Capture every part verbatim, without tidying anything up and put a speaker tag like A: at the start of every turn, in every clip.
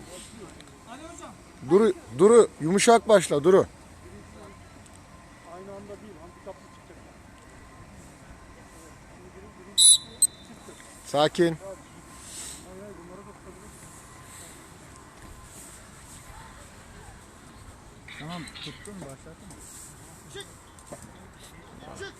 A: Duru, Duru yumuşak başla Duru.
B: Aynı anda değil, handikaplı çıkacak.
A: Sakin.
B: Tamam, tuttun mu? Başlattın mı? Çık! Çık!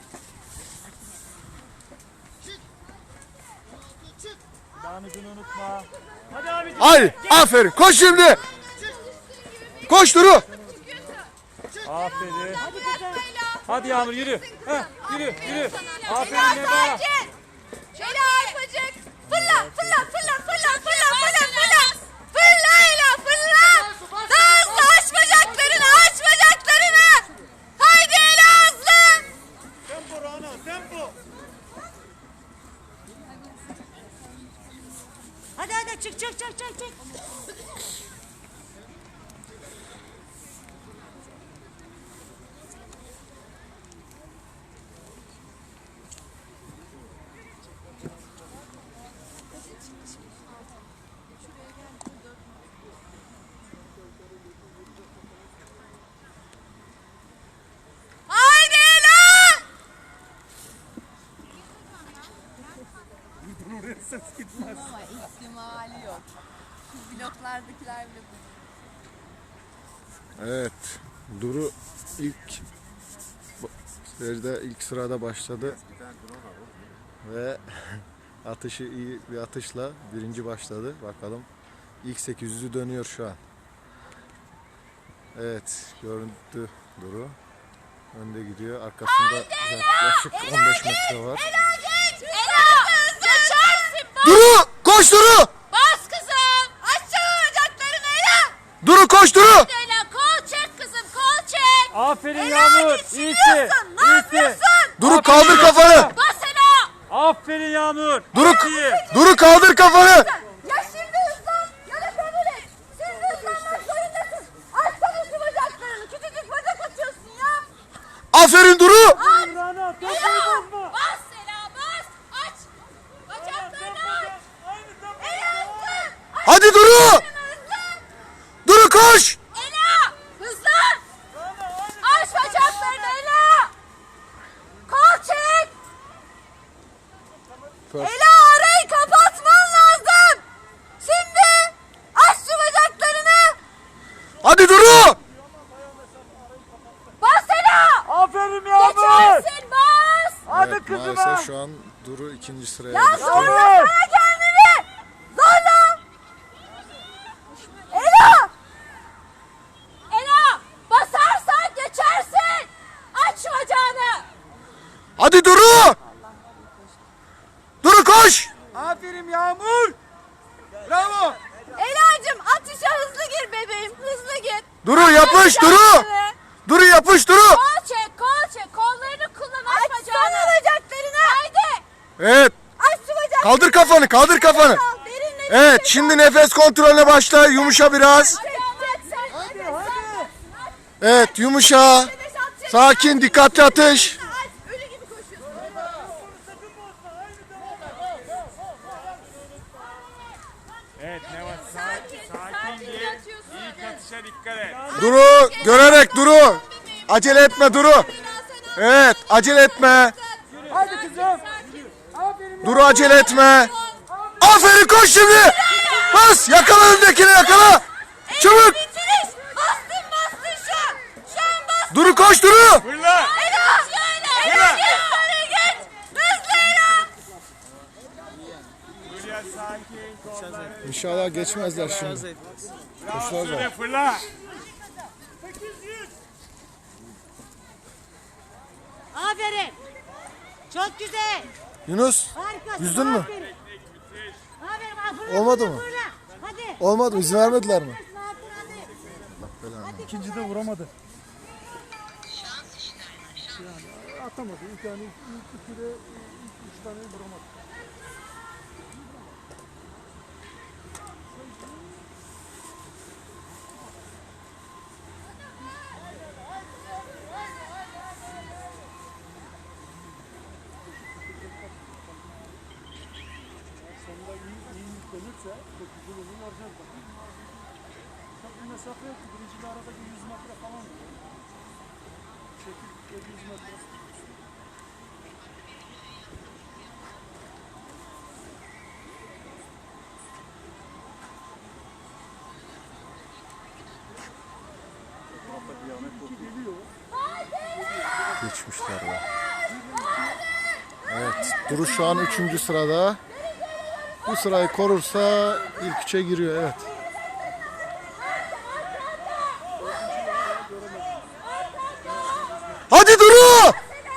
B: Çık! Çık! Damicini unutma. Hadi abicim.
A: Haydi aferin koş şimdi. Koş Duru.
B: Aferin.
C: Hadi
B: Hadi Yağmur yürü. Heh, yürü yürü. Aferin Neva.
C: Ela arpacık. Fırla fırla fırla fırla fırla fırla fırla. Fırla Ela fırla. Daha hızlı aç bacaklarını aç bacaklarını. Haydi Ela hızlı.
B: Tempo Rana, tempo.
D: Hadi hadi çık çık çık çık çık.
C: Haydi Ela.
B: Oraya ses gitmez.
C: Ama ihtimali yok. Şu bloklardakiler bile bu.
A: Evet. Duru ilk seride ilk sırada başladı. Ve atışı iyi bir atışla birinci başladı. Bakalım. İlk sekiz yüzü dönüyor şu an. Evet. Görüntü Duru. Önde gidiyor. Arkasında yaklaşık on beş metre var.
C: Ela geç. Ela geçersin. Bas.
A: Duru! Koş Duru!
C: Bas kızım. Açsana bacaklarını Ela.
A: Duru koş Duru!
C: Ela kol çek kızım kol çek.
B: Aferin
C: Ela
B: Yağmur.
C: geçiriyorsun. Ne yapıyorsun?
A: Duru kaldır kafanı!
C: Bas Ela.
B: Aferin Yağmur.
A: Duru,
B: İyi.
A: Duru kaldır kafanı!
C: Ya şimdi hızlan ya da kabul et. Şimdi hızlanmak zorundasın. Açsana şu bacaklarını. Küçücük bacak atıyorsun ya.
A: Aferin Duru!
C: Aç.
B: Rana, tempoyu
C: Ela.
B: bozma.
C: Bas Ela bas. Aç. Bacaklarını aç.
B: Aynı tempo.
C: Ela hızlı.
A: Hadi Duru!
C: Hızlı.
A: Duru koş!
C: Ela hızlan. Aç bacaklarını Ela. Kol çek. Ela arayı kapatman lazım. Şimdi aç şu bacaklarını.
A: Hadi Duru!
C: Bas Ela.
B: Aferin Yağmur.
C: Geçersin bas.
B: Hadi
A: Evet,
B: kızıma.
A: maalesef şu an Duru ikinci sıraya
C: Ya
A: düştü.
C: zorlasana kendini. Zorla. Ela. Ela basarsan geçersin. Aç şu bacağını.
A: Hadi Duru! Duru koş!
B: Aferin Yağmur. Bravo.
C: Ela'cığım atışa hızlı gir bebeğim. Hızlı gir.
A: Duru yapış Duru!
C: Bacaklarını.
A: Duru yapış Duru!
C: Kol çek, kol çek. Kollarını kullan, aç bacağını. Açsana bacaklarını. Haydi.
A: Evet.
C: Aç şu bacaklarını.
A: Kaldır kafanı, kaldır kafanı.
C: Al, derin nefes
A: Evet,
C: al.
A: şimdi nefes kontrolüne başla. Yumuşa biraz.
C: Çek, çek, sen. Hadi, hadi.
A: Evet, yumuşa. Sakin, dikkatli atış.
C: Aç, ölü gibi koşuyorsun.
B: Evet Neva
C: Sakin, sakin
B: gir.
C: yatıyorsun.
B: İlk atışa dikkat et.
A: Duru, görerek Duru. Acele etme Duru. Evet, acele etme.
B: Hadi kızım. Aferin.
A: Duru acele etme. Aferin koş şimdi. Bas, yakala öndekini yakala. Çabuk.
C: Bitiriş. Bastın, bastın şu an. Şu an bastın.
A: Duru koş Duru.
B: Fırla.
C: Ela. Ela. Ela. Geç sarı geç. Hızlı Ela.
B: Buraya sakin. Kolları.
A: İnşallah geçmezler şimdi.
B: Bravo Sude, fırla.
D: Aferin. Çok güzel.
A: Yunus,
D: Harikasın.
A: yüzdün mü?
D: Aferin. Aferin. Aferin. Fırla,
A: Olmadı
D: fırla,
A: mı?
D: fırla. Hadi.
A: Olmadı mı? İzin vermediler mi?
D: Hadi.
B: İkinci de vuramadı. Yani atamadı. İlk yani ilk ikide ilk üç tane vuramadı. Sonunda iyi, iyi yüklenirse çok güzel olur. varacağız bak. Çok bir mesafe yok ki. Birinciyle aradaki yüz metre falan. Çekil yedi yüz metre. Geliyor.
A: Geçmişler be. Evet. Duru şu an üçüncü sırada. Bu sırayı korursa ilk üçe giriyor. Evet. Hadi Duru!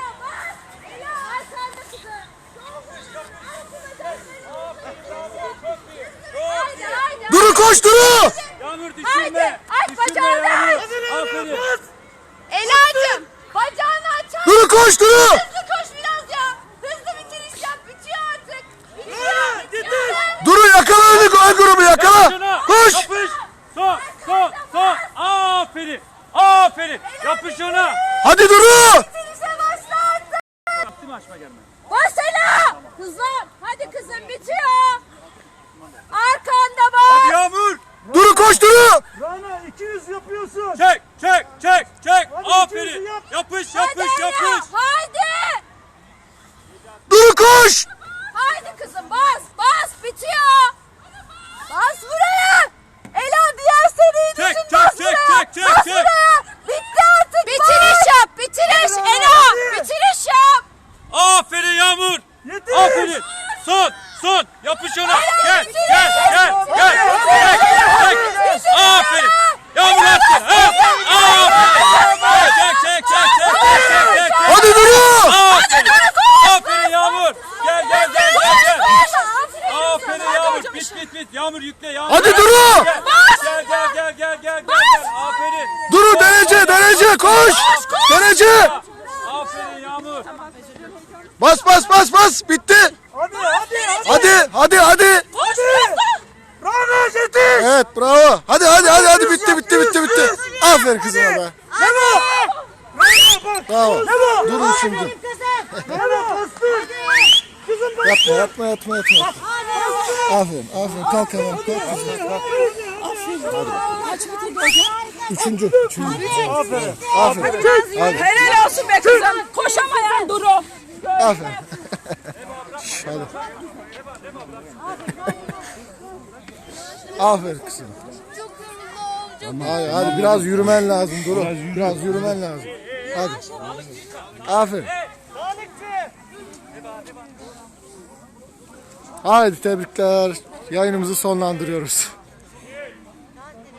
A: Duru koş Duru!
E: Yağmur
C: Haydi
E: düşürme.
C: aç
E: Düşürme
C: bacağını
E: Yağmur.
C: aç.
E: Aferin.
C: Ela'cığım bacağını aç. aç.
A: Duru koş Duru!
C: Hızlı koş biraz ya. Hızlı bitiriş yap. Bitiyor artık. Bitiyor. bitiyor.
A: Duru yakala öyle gol grubu yakala!
E: Şuna.
A: Koş!
E: Yapış. Son, son, son. Aferin. Aferin. Yapış ona.
A: Hadi Duru!
C: Bitirişe başla artık.
E: Yaptı mı açma gelme?
C: Bas Ela. Hızlı. Hadi kızım bitiyor. Arkanda bas.
E: Yağmur.
A: Duru koş Duru!
B: Rana iki yüz yapıyorsun.
E: Çek, çek, çek, çek.
B: Hadi
E: Aferin.
B: ikimizi yap.
E: Yapış,
C: Hadi
E: yapış,
C: Ela.
E: yapış.
C: Haydi.
A: Duru koş!
C: Haydi kızım bas. Bas bitiyor. Bas buraya. Ela diğer seriyi
E: Çek,
C: düşün.
E: çek,
C: Bas
E: çek,
C: buraya.
E: çek, çek,
C: Bas
E: çek.
C: buraya. Bitti artık. Bitiriş yap. Bitiriş.
B: Hadi
C: Ela.
B: hadi.
C: Bitiriş yap.
E: Aferin Yağmur.
B: Yeter.
E: Aferin. Son, son. Yapış ona. Gel,
C: bitiriş.
E: gel, gel, gel. Çek, çek. Aferin. Yağmur attın. Ha? Aferin. Çek, çek, çek, çek, çek, çek, çek.
A: Hadi Duru!
E: Aferin. Aferin Yağmur. Gel, gel, gel, gel, gel. Aferin Yağmur. Bit, bit, bit. Yağmur yükle, Yağmur.
A: Hadi Duru!
E: Gel, gel, gel, gel, gel, gel, gel. Aferin.
A: Duru derece derece koş! Derece!
E: Aferin Yağmur.
A: Bas bas bas bas bitti!
B: Hadi hadi hadi.
A: Hadi hadi hadi!
B: Rana yetiş.
A: Evet bravo! Hadi hadi hadi hadi bitti bitti bitti bitti! Aferin kızıma be!
B: Memo. Rana bak.
A: Bravo! Duru üçüncü.
D: Kızım.
B: Memo bastır. Kızım bak.
A: Yatma yatma yatma yatma. Aferin aferin kalk hemen kalk kızım kalk. Üçüncü. Üçüncü.
B: Aferin.
A: Aferin. Hadi.
C: Helal olsun be kızım. Koşamayan Duru.
A: Aferin. Şş, hadi. Aferin kızım.
C: Çok yoruldum. Çok
A: Hadi, hadi biraz yürümen lazım Duru. Biraz yürümen lazım. Hadi. Aferin. Haydi tebrikler. Yayınımızı sonlandırıyoruz.